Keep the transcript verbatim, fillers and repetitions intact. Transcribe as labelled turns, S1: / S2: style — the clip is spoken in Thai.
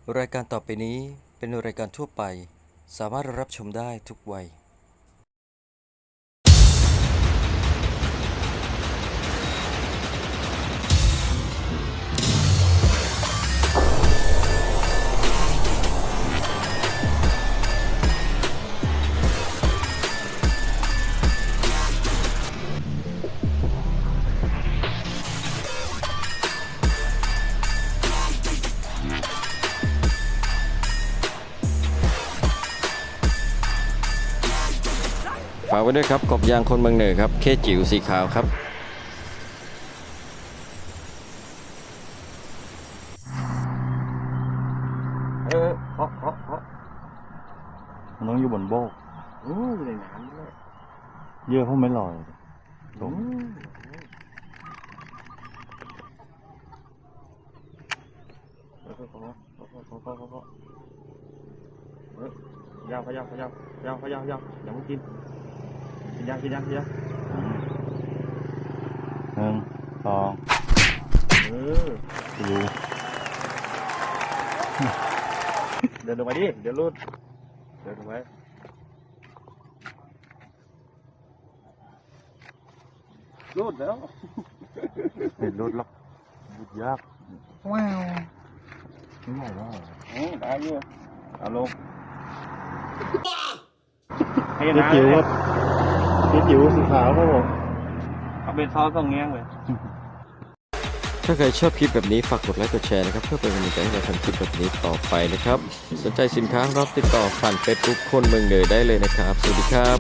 S1: รายการต่อไปนี้เป็นรายการทั่วไปสามารถรับชมได้ทุกวัยฝากไว้ด้วยครับกบยางคนเมืองเหนือครับเคจิ๋วสีขาวครับเออเพาะเพาะเพาะ
S2: มันต้องอยู่บนโบก
S1: อืออยู่ในน้ำด้วย
S2: เยอะเพราะไม่ลอยตรง
S1: เพาะเพาะเพาะเพาะเพาะเพาะเพาะเฮ้ยยาวพยาวพยาวพยาวพยาวยาวอย่ามึงกินกินยากินยากินยา
S2: หนึ่งสอง
S1: เออ
S2: สี่
S1: เดินลงไปดิเดี๋ยวรูดเดินลงไปรูดแล้ว
S2: เห็นรถหรอกบุดยากว้าวไม่ใหญ่มาก
S1: อืมได้อยู่เอาลงให้
S2: เจ๊
S1: นะ
S2: จิ๋วครับเจ๊จิ๋วสีขาวครับผม
S1: เอาเป็นซอสตรงเงี้ยเลย
S3: ถ้าใครชอบคลิปแบบนี้ฝากกดไลค์กดแชร์นะครับเพื่อเป็นกำลังใจให้เราทำคลิปแบบนี้ต่อไปนะครับสนใจสินค้ารับติดต่อผ่านเฟซบุ๊กคนเมืองเหนือได้เลยนะครับสวัสดีครับ